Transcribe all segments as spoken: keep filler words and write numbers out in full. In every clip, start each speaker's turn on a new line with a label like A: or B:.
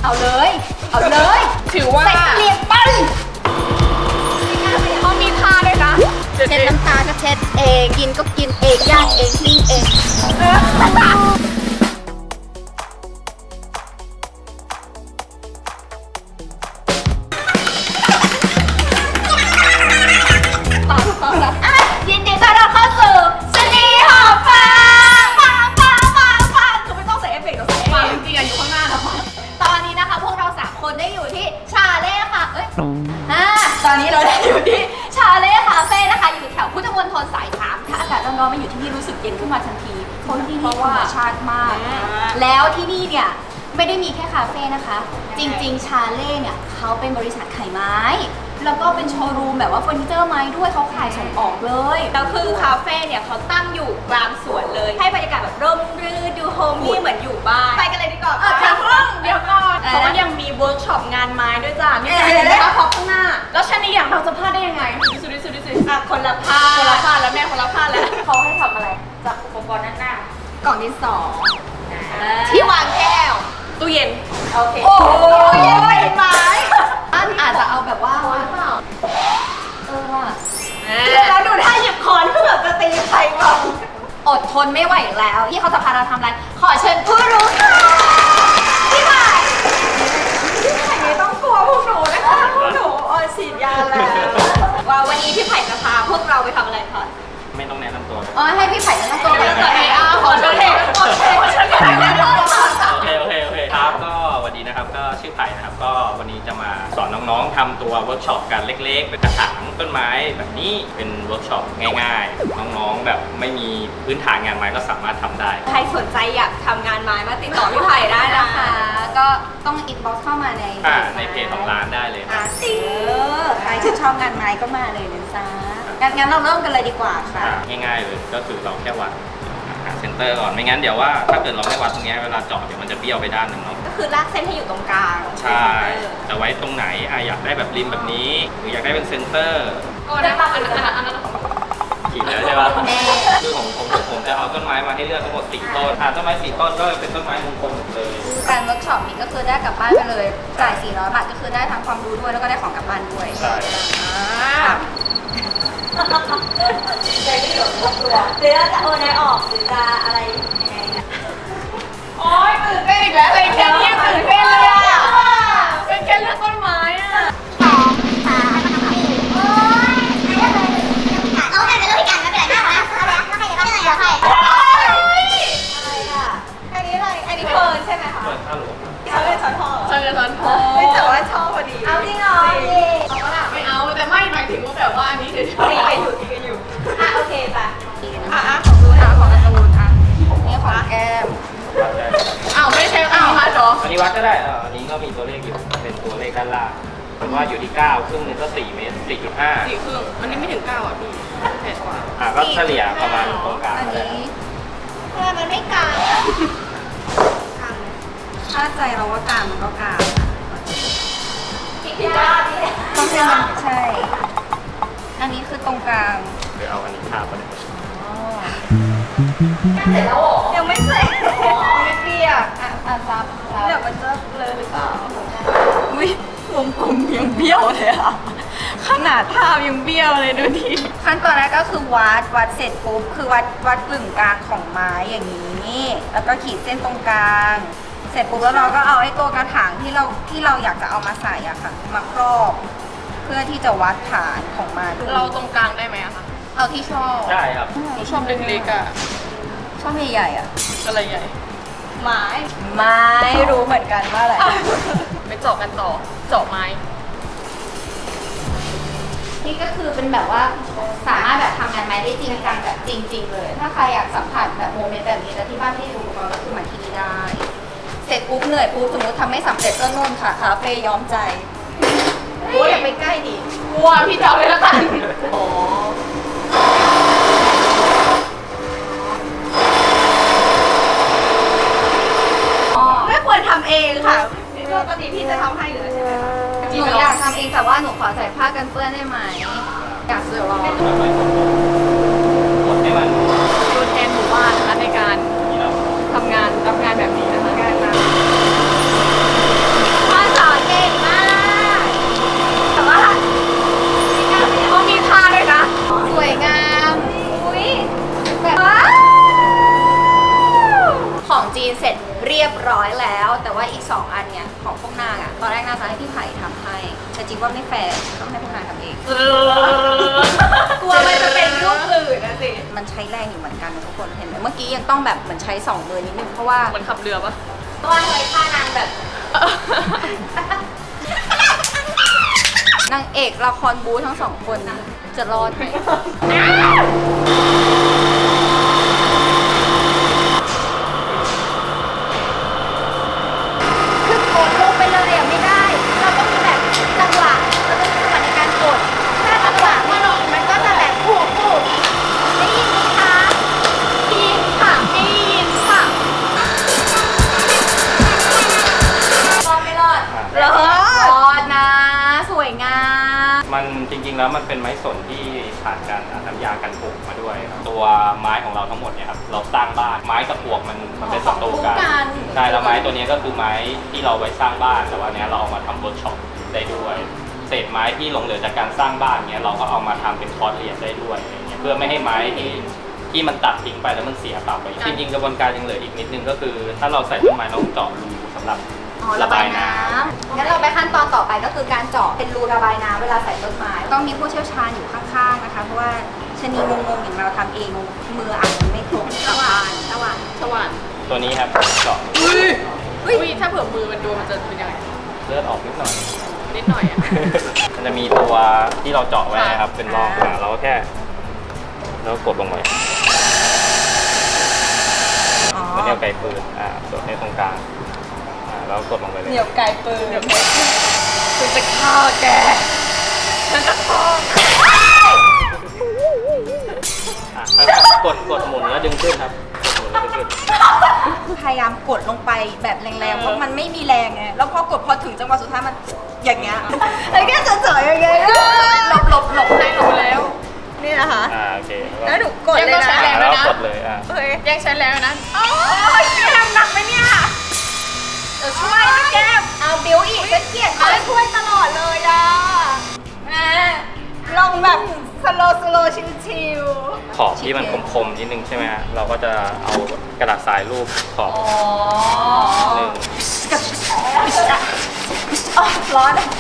A: เอาเลยเอาเลย
B: ถือว่า
A: ใส่เกลียบไป
B: เขามีท่าด้วยนะ
A: เช็ดน้ำตาก็เช็ดเองกินก็กินเองย่างเองปิ้งเองยินดีต้อนรับเข้าสู่ชนีหอมฟ้าฟังฟังฟังฟังคือไม่ต้องใส่เอฟเฟกต์เราใส่ฟังจริงๆอยู่ข้างหน้านะตอนนี้นะคะพวกเราสามคนได้อยู่ที่ชาเล่ค่ะเอ้ยอ่าตอนนี้เราได้อยู่ที่ชาเล่คาเฟ่นะคะอยู่แถวพุทธมณฑลสายสามถ้าอากาศร้อนๆมาอยู่ที่นี่รู้สึกเย็นขึ้นมาทันทีเพราะที่นี่ธรรมชาติมากแล้วที่นี่เนี่ยไม่ได้มีแค่คาเฟ่นะคะจริงๆชาเล่เนี่ยเขาเป็นบริษัทขายไม้แล้วก็เป็นโชว์รูมแบบว่าเฟอร์นิเจอร์ไม้ด้วยเขาขายส่งออกเลยแล้วคือคาเฟ่เนี่ยเขาตั้งอยู่กลางสวนเลยให้บรรยากาศแบบร่มรื่นดูโฮมมี่เหมือนอยู่บ้านไปกันเลยดีกว่าค่ะเดี๋ยวก่อนเขายังมีเวิร์กช็อปงานไม้ด้วยจ้ะนี่จะเห็นนะคะพอข้างหน้าแล้วชนีอย่างเราจะพลาดได้ยังไงดิสุดิสุดิสุอ่ะคนละพลาดคนละพลาดแล้วแม่คนละพลาดแล้วเขาให้ทำอะไรจากอุปกรณ์ด้านหน้ากล่องดินสอที่วางแก้วตู้เย็นโอเคโอ้ยเป็นไม้อาจจะเอาแบบว่าเออว่ะแล้วดูท่าหยิบคอนเพื่อจะตีใครบ้างอดทนไม่ไหวแล้วที่เขาจะพาเราทำอะไรขอเชิญผู้รู้ค่ะพี่ใหม่พี่ไผ่ไม่ต้องกลัวพวกหนูนะคะพวกหนูออยฉีดยาแล้วว่าวันนี้พี่ไผ่จะพาพวกเราไปทำอะไรคะ
C: ไม่ต้องแนะนำตัว
A: อ๋อให้พี่ไผ่แนะนำตัวไปก่อนเลยอ่ะขอเชิญเทขอเชิญขอเชิญ
C: โอเคโอเคโอเคครับก็วันนี้นะครับก็ชื่อไผ่นะครับก็วันนี้จะมาสอนน้องๆทำตัวเวิร์กช็อปกันเล็กๆเป็นกระถางต้นไม้แบบนี้เป็นเวิร์กช็อปง่ายๆน้องๆแบบไม่มีพื้นฐานงานไม้ก็สามารถทำได้
A: ใครสนใจอยากทำงานไม้มาติดต่อพี่ไผ่ได้นะคะก็ต้องอินบ็อกซ์เข้ามาใน
C: ในเพจของร้านได้เลย
A: อ่ะสิใครที่ชอบงานไม้ก็มาเลยนะจ๊ะงั้นเราเริ่มกันเลยดีกว่าค่ะ
C: ง่ายๆเลยก็คือเราแค่วัดหาเซนเตอร์ก่อนไม่งั้นเดี๋ยวว่าถ้าเกิดเราไม่วัดตรงนี้เวลาเจาะเดี๋ยวมันจะเบี้ยวไปด้านหนึ่งเนาะ
A: ก็คือลากเส้นให้อยู่ตรงกลาง
C: ใช่แต่ไว้ตรงไหนอ่ะอยากได้แบบริมแบบนี้หรืออยากได้เป็นเซนเตอร์
B: ก็ได้ปะอันนั้นอันนั้น
C: ขีดแล้วใช่ปะคือของผมผมจะเอาต้นไม้มาให้เลือกทั้งหมดสี่ต้นอ่ะต้นไม้สี่ต้นก็เป็นต้นไม้มงคลหมดเลย
A: การเวิร์กช็อปนี้ก็คือได้กลับบ้านไปเลยจ่ายสี่ร้อยบาทก็คือได้ทั้งความรู้ด้วยแล้วก็ได้ของกลับบ้านด้วย
C: ใช่
A: ใจไม่หลงตัวหรือจะโอนได้ออกหรือจะอะไรยังไงเนี่ย
B: โอ๊ยตื่นเต้นอีกแล้วอะไรแค่นี้ตื่นเต้นเลยอ่ะเป็นแค่เรื่องต้นไม้อ่ะ
D: สองสามสี่โอ๊ยเอาแต่เป็นเรื่องพิการไม่เป็นไรนะเอาแล้วแล้วใครจะต้องเหนื่อยแล้วใคร
A: อะไรอ่ะอันนี้อะไรอันนี้เพิร์นใช่ไหมคะ
C: เพิร์นข้าวหลวง
A: เขาเป็นช้อนทอง
B: ช้อนช้อนทอง
A: ไม่แต่ว่าชอบพอดีเอาจริงเหรอ
B: เอาก็ล่ะไม่เอาแต่ไม่หมายถึงว่าแบบว่าอันนี้เฉย
A: ๆตีกันอยู่ตีกันอยู่อ่ะโอเคป่ะ
B: อ่ะอ่ะของดูนะของการ์ตูนอ่ะ
A: นี่ของแก้ม
B: อ้าวไม่ใช่อันนี้วัดหรอ
C: อันนี้วัดก็ได้อ่าอันนี้ก็มีตัวเลขอยู่เป็นตัวเลขด้านล่างผมว่าอยู่ที่เก้าครึ่งนึงก็สี่เมตรสี่จุดห้า
B: สี่ครึ่งอันนี้ไม่ถึงเก้าอ่ะพี่แปดกว่า
C: อ่ะก็เฉลี่ยประมาณตรงกลาง
A: อันนี้ทำไมมันไม่กลางถ้าใจเราว่ากลางมันก็กลางผิดด้านต้องให้มันใช่อันนี้คือตรงกลาง
C: เดี๋ยวเอาอันนี้ทาไปเลย
A: เสร็จแล้วยังไม่เสร็จไม่เปียกอ่ะอ่ะซับเดี๋ยวมันจะเลยหรือเปล่าอุ้ยวงกลมยังเบี้ยวเลยอ่ะขนาดทายังเบี้ยวเลยดูทีขั้นตอนแรกก็คือวัดวัดเสร็จปุ๊บคือวัดวัดกึ่งกลางของไม้อย่างนี้แล้วก็ขีดเส้นตรงกลางเสร็จปุ๊บแล้วเราก็เอาไอ้ตัวกระถางที่เราที่เราอยากจะเอามาใส่อะค่ะมาครอบเพื่อที่จะวัดฐานของมัน
B: เราตรงกลางได้ไหมอะคะ
A: เอาที่ชอบ
C: ได้ครับ
B: หนูชอบเล็กๆอะ
A: ชอบใหญ่ๆอะ
B: อะไรใหญ่
A: ไม้ไม้รู้เหมือนกันว่าอะไร
B: ไปเจาะกันต่อเจาะไม้
A: นี่ก็คือเป็นแบบว่าสามารถแบบทำงานไม้ได้จริงจังแบบจริงๆเลยถ้าใครอยากสัมผัสแบบโมเมนต์แบบนี้แล้วที่บ้านที่ดูก็คือมาที่นี่ได้เสร็จปุ๊บเหนื่อยปุ๊บสมมติทำไม่สำเร็จก็นู่นค่ะคาเฟ่ย้อมใจโอ้ยอย่าไปใกล้ดิ
B: กลัวพี่จะเอาเลยละกันอ๋อ
A: ไม่ควรทำเองค่ะปกติพี่จะทำให้เลยใช่ไหมหนูอยากทำเองแต่ว่าหนูขอใส่ผ้ากันเปื้อนได้ไหมอยากซื้อหรอ
C: หมดให้มัน
B: ตัวแทนหมู่บ้านนะคะในการทำงานรับงานแบบนี้นะคะงานมา
A: ให้พวกนายทำเอง
B: เออกลัวมันจะเป็นรูปอื่นนะสิ
A: มันใช้แรงอยู่เหมือนกันนะทุกคนเห็นไหมเมื่อกี้ยังต้องแบบเหมือนใช้สองมือนิดนึงเพราะว่า
B: มันขับเรือปะ
A: เพราะว่าเคยฆ่านางแบบนางเอกละครบู๊ทั้งสองคนจะรอดไหมคือกดลงไปเลยอ่ะไม่ได้ เราต้องมีแบบจังหวะเราต้องมีจังหวะในการกดถ้าจังหวะไม่ดีมันก็จะแบบผูกผูกได้ยินไหมคะได้ยินค่ะได้ยินค่ะรอดไม่รอด
C: อ่ะ
A: รอดรอดนะสวยงาม
C: มันจริงๆแล้วมันเป็นไม้สนที่ผ่านการน้ำยากันปลูกมาด้วยครับตัวไม้ของเราทั้งหมดเนี่ยครับเราสร้างบ้านไม้กับปลวกมันมันเป็นศัตรูกันใช่แล้วไม้ตัวนี้ก็คือไม้ที่เราไว้สร้างบ้านแต่ว่าเนี้ยเราเอามาทำเวิร์กช็อปได้ด้วยเศษไม้ที่หลงเหลือจากการสร้างบ้านเนี้ยเราก็เอามาทำเป็นคอร์สเรียนได้ด้วยอะไรเงี้ยเพื่อไม่ให้ไม้ที่ที่มันตัดทิ้งไปแล้วมันเสียเปล่าไปจริงๆกระบวนการยังเหลืออีกนิดนึงก็คือ ถ้าเราใส่ต้นไม้เราต้องเจาะรูสำหรับ
A: อ๋อระบายน้ำงั้นเราไปขั้นตอนต่อไปก็คือการเจาะเป็นรูระบายน้ำเวลาใส่ต้นไม้ต้องมีผู้เชี่ยวชาญอยู่ข้างๆนะคะเพราะว่าชะนีงงๆอย่างเราทำเองมืออาจจะไม่ถูกสว่านสว่าน
B: สว่าน
C: ตัวนี้ครับเจาะ
B: อุ้ยอุ้ยถ้าเผื่อมือมันโดนมันจะเป็นยังไง
C: เลือดออกนิดหน่อย
B: นิดหน่อยอ่ะ
C: มันจะมีตัวที่เราเจาะไว้นะครับ เป็นร่องอ่ะเราก็แค่แล้วกดลงไป
A: อ๋อ
C: แล้วเนี่ยไกลปืนอ่ากดในตรงกลางอ่าแล้วกดลงไปเลย
A: เหนียวไกลปืน
B: คุณจะฆ่าแกฉันจะฆ่า
C: อ่ะค่อยๆกดกดหมุนแล้วดึงขึ้นครับกดหมุนแล้วดึงขึ้น
A: พยายามกดลงไปแบบแรงๆเพราะมันไม่มีแรงไงแล้วพอกดพอถึงจังหวะสุดท้ายมันอย่างเงี้ยแล้วแค่จะเฉยๆอย่างเงี้ยหลบหลบหลบ
B: ให้รู้แล้ว
A: นี่นะคะ
C: อ่าโอเค
A: แล้วหนูกดเลย
B: ยังต้องใช้
A: นะ
B: แรง
C: แล้วกดเลยอ่ะ
A: เฮ้ย
B: แย่งฉันแล้วนะ
A: โอ้ยพี่ทำหนักไหมเนี่ยเดี๋ยวช่วยนะแก้มเอาบิวอีกฉันเกลียดเขาช่วยตลอดเลยอ่ะแม่ลองแบบสโลสโลชิว
C: ขอบที่มันคมๆนิดนึงใช่ไหมฮะเราก็จะเอากระดาษทรายรูปขอบ
A: ๆอ๋อ
C: หนึ่ง
A: อ๋อร้อนอะ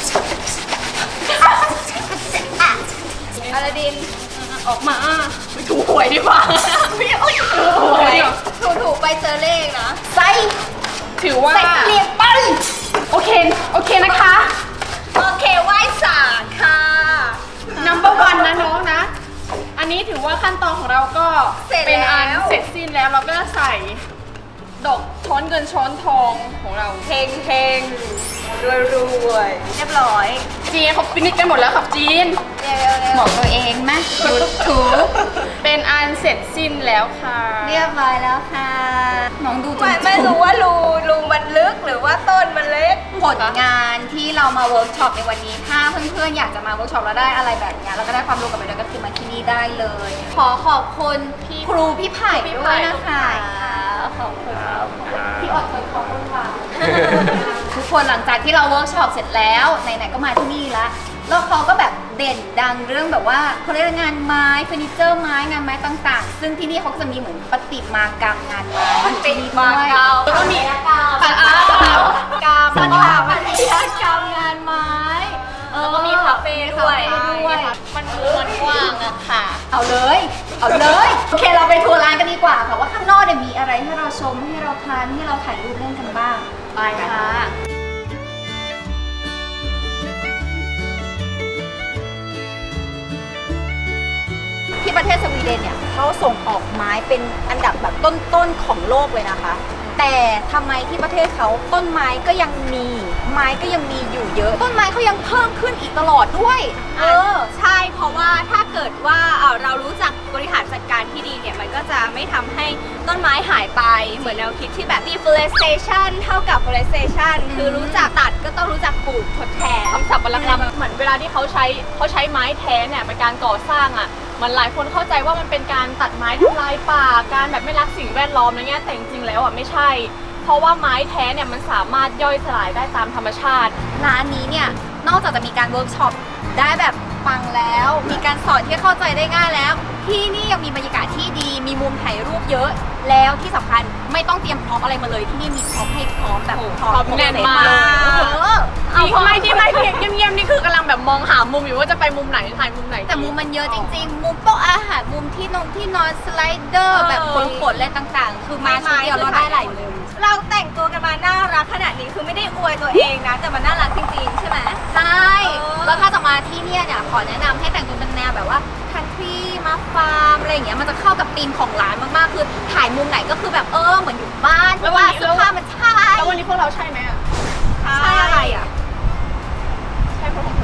A: อลาดินออกมาไปถูหวยดีกว่าไม่เอาถูหวยถูถูไปเจอเลขนะใส่
B: ถือว่า
A: ใส่เรียบไป
B: โอเค โอเคนะคะ
A: โอเคไหว้ศาลค่ะ
B: number one นะน้องนะ อันนี้ถือว่าขั้นตอนของเราก็เป็นอันเสร็จสิ้นแล้วเราก็จะใส่ดอกช้อนเงินช้อนทองของเรา
A: เฮงเฮงรวยรวยเรียบร้อย
B: จีนเขาฟินิชกันหมดแล้วครับจีน
A: เร็วๆบอกตัวเองไหมถูถู
B: เป็นอันเสร็จสิ้นแล้วค่ะ
A: เรียบร้อยแล้วค่ะน้องดูจน
E: ไม่ไม่รู้ว่ารูรูมันลึกหรือว่าต้นมันเล็ก
A: ผลงานที่เรามาเวิร์กช็อปในวันนี้ถ้าเพื่อนๆอยากจะมาเวิร์กช็อปแล้วได้อะไรแบบเนี้ยแล้วก็ได้ความรู้กลับไปด้วยก็คือมาที่นี่ได้เลย ขอขอบคุณพี่ครูพี่ไผ่ด้วยนะคะขอบคุณ
C: ครับอ่า
A: พี่อดทนขอบคุณค่ะ ทุกคนหลังจากที่เราเวิร์กช็อปเสร็จแล้วไหนๆก็มาที่นี่ละแล้วเขาก็แบบเด่นดังเรื่องแบบว่าเขาเรียกว่างานไม้เฟอร์นิเจอร์ไม้งานไม้ต่างๆ ซึ่งที่นี่เขาก็จะมีเหมือนประติมากรรมงานไม้ประติมากรรมแล้วก็มีกรรมปัตยกรรมปัตยกรรมงานไม้แล้วก็มีคาเฟ่ด้วยมันมันกว้างอะค่ะ เอาเลย เอาเลยโอเคเราไปทัวร์ร้านกันดีกว่าค่ะว่าข้างนอกเนี่ยมีอะไรให้เราชมให้เราทานให้เราถ่ายรูปเล่นกันบ้างไปค่ะ ที่ประเทศสวีเดนเนี่ยเขาส่งออกไม้เป็นอันดับแบบต้นๆของโลกเลยนะคะ แต่ทำไมที่ประเทศเขาต้นไม้ก็ยังมีไม้ก็ยังมีอยู่เยอะ ต้นไม้เขายังเพิ่มขึ้นอีกตลอดด้วย
E: เออ ใช่เพราะว่าถ้าเกิดว่าเอ่อเรารู้จักบริหารจัดการที่ดีเนี่ย มันก็จะไม่ทำให้ต้นไม้หายไปเหมือนแนวคิดที่แบบ deforestation เท่ากับ forestation คือรู้จักตัดก็ต้องรู้จักปลูกทดแทน
B: คำศัพท์วรรณกรรมเหมือนเวลาที่เขาใช้เขาใช้ไม้แท้เนี่ยเป็นการก่อสร้างอ่ะมันหลายคนเข้าใจว่ามันเป็นการตัดไม้ทำลายป่าการแบบไม่รักสิ่งแวดล้อมอะไรเงี้ยแต่จริงๆแล้วอ่ะไม่ใช่ เพราะว่าไม้แท้เนี่ยมันสามารถย่อยสลายได้ตามธรรมชาติ
A: ร้านนี้เนี่ยนอกจากจะมีการเวิร์กช็อป
E: ได้แบบฟังแล้ว มีการสอนที่เข้าใจได้ง่ายแล้ว ที่นี่ยังมีบรรยากาศที่ดี มีมุมถ่ายรูปเยอะ แล้วที่สำคัญไม่ต้องเตรียมพร็อพอะไรมาเลยที่นี่มีพร็อพให้พร้อมแบบ
B: พร้อมแน่นมาก
E: เออเอา
B: ที่ไม่ที่ไม่ที่เงียบๆนี่คือกำลังแบบมองหามุมอยู่ว่าจะไปมุมไหนถ่ายมุมไหน
E: แต่มุมมันเยอะจริงๆ มุมโต๊ะอาหารมุมที่นอนที่นอนสไลเดอร์
B: เออ
E: แบบขนๆอะไรต่างๆ คือมาชุดเดียวเราได้หลายมุมเราแต่งตัวกันมาน่ารักขนาดนี้คือไม่ได้อวยตัวเองนะ แต่มันน่ารักจริงๆ ใช่ไหมใช่แล้วถ้าจะมาที่เนี่ยเนี่ยขอแนะนำให้แต่งตัวเป็นแนวแบบว่าคันทรีมาฟาร์มอะไรอย่างเงี้ยมันจะเข้ากับธีมของร้านมากๆ คือถ่ายมุมไหนก็คือแบบเออเหมือนอยู่บ้านเพราะว่าเสื้อผ้ามันใช่
B: แล้ววันนี้พวกเราใช่ไหมอะ
E: ใช่อะไรอ่ะ
B: ใช่พวกเรา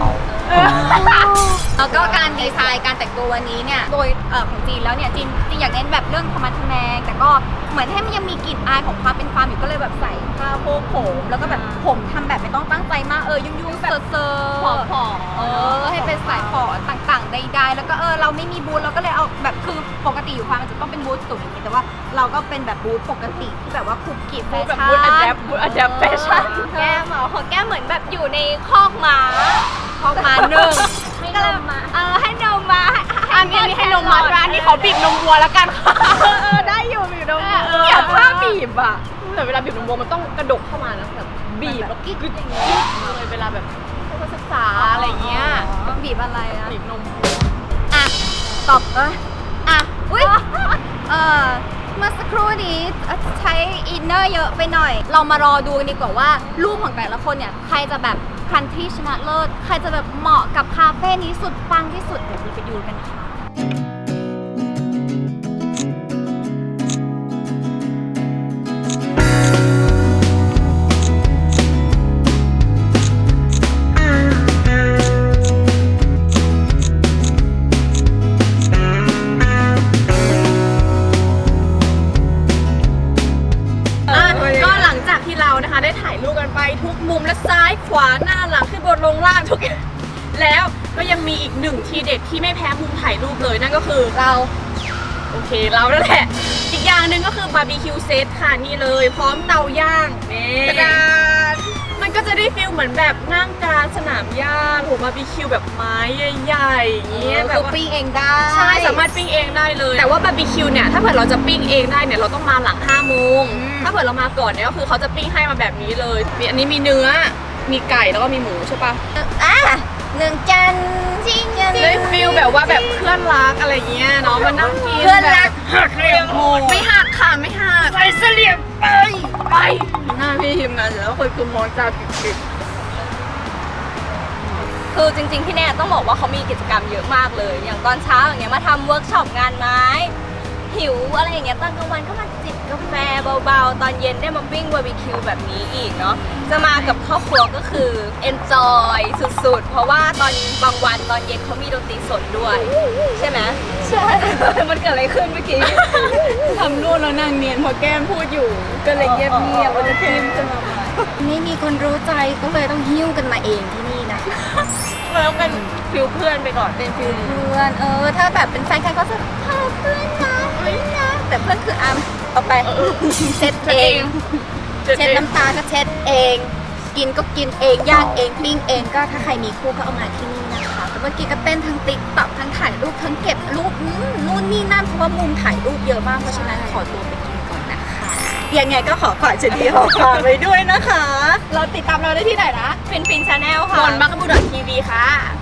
E: แล้วก็การดีไซน์การแต่งตัววันนี้เนี่ยโดยเอ่อของจีนแล้วเนี่ยจีนจีนอยากเน้นแบบเรื่องธรรมะทแมงแต่ก็เหมือนให้มันยังมีกลิ่นอายของความเป็นฟาร์มอยู่ก็เลยแบบใส่ผ้าโพกผมแล้วก็แบบผมทำแบบไม่ต้องตั้งใจมากเออยุ่งๆแบบเซอร์
B: ผอมผอม
E: เออให้เป็นสายฝอต่างๆใดๆแล้วก็เออเราไม่มีบูธเราก็เลยเอาแบบคือปกติอยู่ฟาร์มมันจะต้องเป็นบูธสูงอย่างนี้แต่ว่าเราก็เป็นแบบบูธปกติที่แบบว่าคุกกี้แฟ
B: แบบ
E: ชั่น
B: บูธอะแดปบูธอะแดปแฟชั่น
E: แก้มเหรอของแก้มเหมือนแบบอยู่ในคอกม้าคอกม้าหนึ่งก็เลยมาเออให้นมมา
B: อันนี้ให้นมมัดร้านนี้เขาบีบนมวัวแล้วกันค่ะเออได้อยู่บีบนมวัวเกลียดผ้าบีบอ่ะแต่เวลาบีบนมวัวมันต้องกระดกเข้ามานะแบบบีบแล้วกิ๊กกิ๊กอย่างเงี้ยเลยเวลาแบบให้ศึกษาอะไรเงี้ย
E: บีบอะไรอะ
B: บีบนม
E: อ่ะตอบเอ้ยอ่ะอุ้ยเออเมื่อสักครู่นี้ใช้อินเนอร์เยอะไปหน่อย เรามารอดูกันดีกว่าว่ารูปของแต่ละคนเนี่ยใครจะแบบคันที่ชนะเลิศใครจะแบบเหมาะกับคาเฟ่นี้สุดปังที่สุดเดี๋ยวเราไปดูกันค่ะ
B: ก็หลังจากที่เรานะคะได้ถ่ายรูปกันไปทุกมุมและซ้ายขวาหน้าหลังขึ้นบนลงล่างทุกอย่างแล้วก็ยังมีอีกหนึ่งทีเด็ดที่ไม่แพ้มุมถ่ายรูปเลยนั่นก็คือเราโอเคเรานั่นแหละอีกอย่างหนึ่งก็คือบาร์บีคิวเซตค่ะนี่เลยพร้อมเตาย่างนี่กระดานมันก็จะได้ฟิลเหมือนแบบนั่งกลางสนามหญ้าโหบาร์บีคิวแบบไม้ใหญ่ๆอย่างเงี้ยแบ
E: คื
B: บ
E: อ
B: ว่า
E: ปิ้งเองได้
B: ใช่สามารถปิ้งเองได้เลยแต่ว่าบาร์บีคิวเนี่ยถ้าเผื่อเราจะปิ้งเองได้เนี่ยเราต้องมาหลังห้าโมงถ้าเผื่อเรามาก่อนเนี่ยก็คือเขาจะปิ้งให้มาแบบนี้เลยมีอันนี้มีเนื้อมีไก่แล้วก็มีหมูใช่ปะ
E: อ่ะหนึ่งจานจริงจริง
B: เลยฟิลแบบว่าแบบเพื่อนรักอะไรเงี้ยเนาะมานั่งกิน
E: เพื่อนรัก
B: หักเหลี่ยมโหดไม่หักค่ะไม่หักใส่เสลี่ยมไปไปหน้าพี่ทีมงานเสร็จแล้วคนคือมองตาปิด
E: คือจริงๆที่เนี่ยต้องบอกว่าเขามีกิจกรรมเยอะมากเลย อย่างตอนเช้าอย่างเงี้ยมาทำเวิร์กช็อปงานไม้ หิวอะไรอย่างเงี้ยตอนกลางวันก็มาจิบกาแฟเบาๆ ตอนเย็นได้มาปิ้งบาร์บีคิวแบบนี้อีกเนาะจะมากับครอบครัวก็คือ enjoy สุดๆ เพราะว่าตอนบางวันตอนเย็นเขามีดนตรีสดด้วย ใช่ไหมใช่ มันเกิดอะไรขึ้นเมื่อกี้
B: ทำนู่นแล้วนางเนียนพอแก้มพูดอยู่ก็เลยเงียบเงียบว่าจะพิมจะมา
E: ไม่มีคนรู้ใจก็เลยต้องหิ้วกันมาเองที่นี่นะ
B: แล้วเป็นฟิลเพื่อนไปก่อน
E: เป็นฟิลเพื่อน เออ ถ้าแบบเป็นแฟนกันก็จะพาเพื่อนนะเพื่อนนะแต่เพื่อนคืออามเอาไปเช็ดเอง เช็ดน้ำตาก็เช็ดเอง กินก็กินเองย่างเองปิ้งเองก็ถ้าใครมีคู่ก็เอามาที่นี่นะคะแต่เมื่อกี้ก็เต้นทั้งติ๊กต็อกทั้งถ่ายรูปทั้งเก็บรูปอืมนู่นนี่นั่นเพราะว่ามุมถ่ายรูปเยอะมากเพราะฉะนั้นขอตัวไปกินก่อนนะคะยังไงก็ขอฝากเจดีหอฝากไว้ด้วยนะคะ
B: เราติดตามเราได้ที่ไหนนะ
E: ฟินฟินชาแนลค่ะ
B: นนท์บักบูดอททีวีค่ะ